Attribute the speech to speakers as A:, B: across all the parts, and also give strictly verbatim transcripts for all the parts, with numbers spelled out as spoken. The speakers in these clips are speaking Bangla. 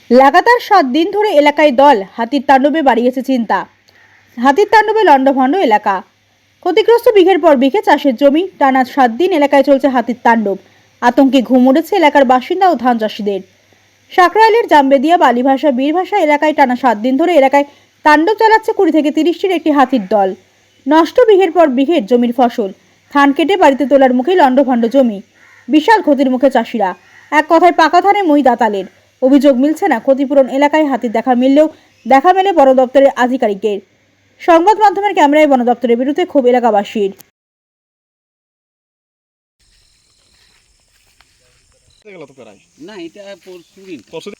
A: লাগাতার সাত দিন ধরে এলাকায় দল হাতির তাণ্ডবে বাড়িয়েছে চিন্তা। হাতির তাণ্ডবে লণ্ডভণ্ড এলাকা, ক্ষতিগ্রস্ত বিঘের পর বিঘে চাষের জমি। টানা সাত দিন এলাকায় চলছে হাতির তাণ্ডব। আতঙ্কে ঘুম উড়েছে এলাকার বাসিন্দা ও ধান চাষিদের। সাকরাইলের জামবেদিয়া বালিভাষা বীরভাষা এলাকায় টানা সাত দিন ধরে এলাকায় তাণ্ডব চালাচ্ছে কুড়ি থেকে তিরিশটির একটি হাতির দল। নষ্ট বিঘের পর বিঘের জমির ফসল, ধান কেটে বাড়িতে তোলার মুখে লণ্ডভণ্ড জমি, বিশাল ক্ষতির মুখে চাষিরা। এক কথায় পাকা ধানে মই দাতালের। অভিযোগ মিলছে না ক্ষতিপূরণ। এলাকায় হাতির দেখা মিললেও দেখা মেলে বন দপ্তরের আধিকারিকের। সংবাদ মাধ্যমের ক্যামেরায় বন দপ্তরের বিরুদ্ধে ক্ষোভ এলাকাবাসীর।
B: না এটা পরশু দিন
C: পরশু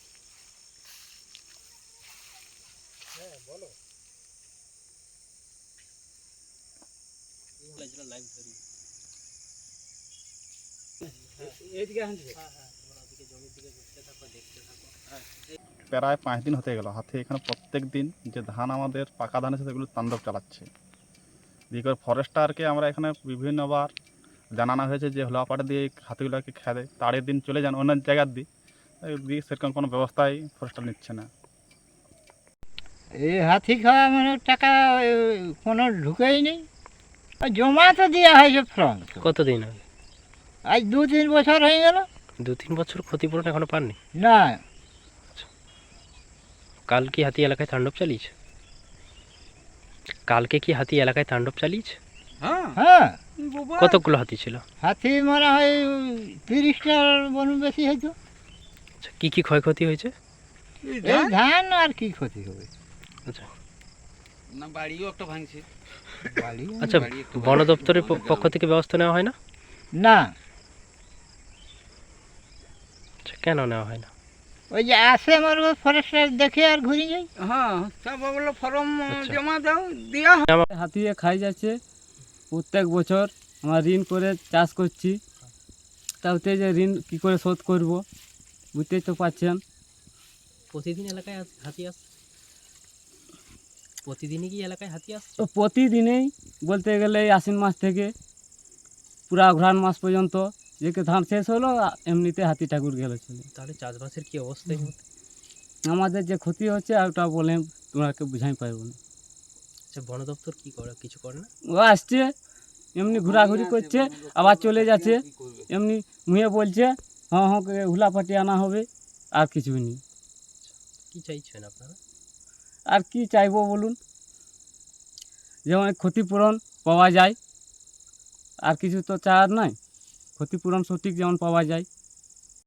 C: প্রায় পাঁচ দিন হতে গেল হাতে এখানে প্রত্যেক দিন যে ধান আমাদের পাকা ধান আছে সেগুলো তাণ্ডব চালাচ্ছে। দিয়ে করে ফরেস্টারকে আমরা এখানে বিভিন্নবার জানানো হয়েছে যে হলাপাটা দিয়ে হাতিগুলোকে খেয়ে দেয়, তাড়ের দিন চলে যান অন্য জায়গার দিয়ে দিয়ে সেরকম কোনো ব্যবস্থাই ফরেস্টার নিচ্ছে না।
D: এই হাতি খাওয়া মানে টাকা এ, কোনো ঢুকেই নেই। আর জমা তো দেওয়া হয়েছে ফর্ম।
E: কতদিন আগে?
D: আজ দু তিন বছর হয়ে গেল।
E: দু তিন বছর ক্ষতিপূরণ এখনো পাননি?
D: না,
E: কাল কি হাতি এলাকায় তাণ্ডব চালিয়েছে? কালকে কি হাতি এলাকায় তাণ্ডব চালিয়েছে?
B: হ্যাঁ
D: হ্যাঁ,
E: কতগুলো হাতি ছিল?
D: হাতি মারা হয় তিরিশটার বন বেশি হয়তো।
E: আচ্ছা, কি কি ক্ষয়ক্ষতি হয়েছে?
D: এই ধান আর কি ক্ষতি হবে।
E: আচ্ছা
B: না বাড়িও একটা ভাঙছে।
D: বালি
E: আচ্ছা, বন দপ্তরের প- পক্ষ থেকে ব্যবস্থা নেওয়া হয় না?
D: না,
E: আচ্ছা, কেন নেওয়া হয় না?
D: ওই যে আসে আমার ফরেস্টার দেখে আর ঘুরে যাই।
B: হ্যাঁ সব বললো ফর্ম
E: আচ্ছা।
B: জমা দাও দিয়া
F: হাতিয়ে খাই যাচ্ছে প্রত্যেক বছর। আমরা ঋণ করে চাষ করছি, তাতে যে ঋণ কী করে শোধ করব বুঝতেই তো পারছেন।
E: প্রতিদিন এলাকায় হাতি আসছে? প্রতিদিনই কি এলাকায় হাতি আসছে?
F: তো প্রতিদিনেই বলতে গেলে এই আশ্বিন মাস থেকে পুরা অঘ্রাণ মাস পর্যন্ত যে কে ধান শেষ হলো আ- এমনিতে হাতি ঠাকুর গেল চলে।
E: তাহলে চাষবাসের কি অবস্থা? এই মুহূর্তে?
F: আমাদের যে ক্ষতি হচ্ছে আর ওটা বলে তোমাকে বুঝাই পারবো না।
E: আচ্ছা, বন দপ্তর কি করে, কিছু করে না?
F: ও আসছে এমনি ঘোরাঘুরি করছে, আবার চলে যাচ্ছে, এমনি মুয়ে বলছে হ্যাঁ হ্যাঁ করে হুলাপাটি আনা হবে, আর কিছুই নেই।
E: কি চাইছেন আপনারা?
F: আর কি চাইবো বলুন, যেমন ক্ষতিপূরণ পাওয়া যায়, আর কিছু তো চাওয়ার নয়। ক্ষতিপূরণ সঠিক যেমন পাওয়া যায়।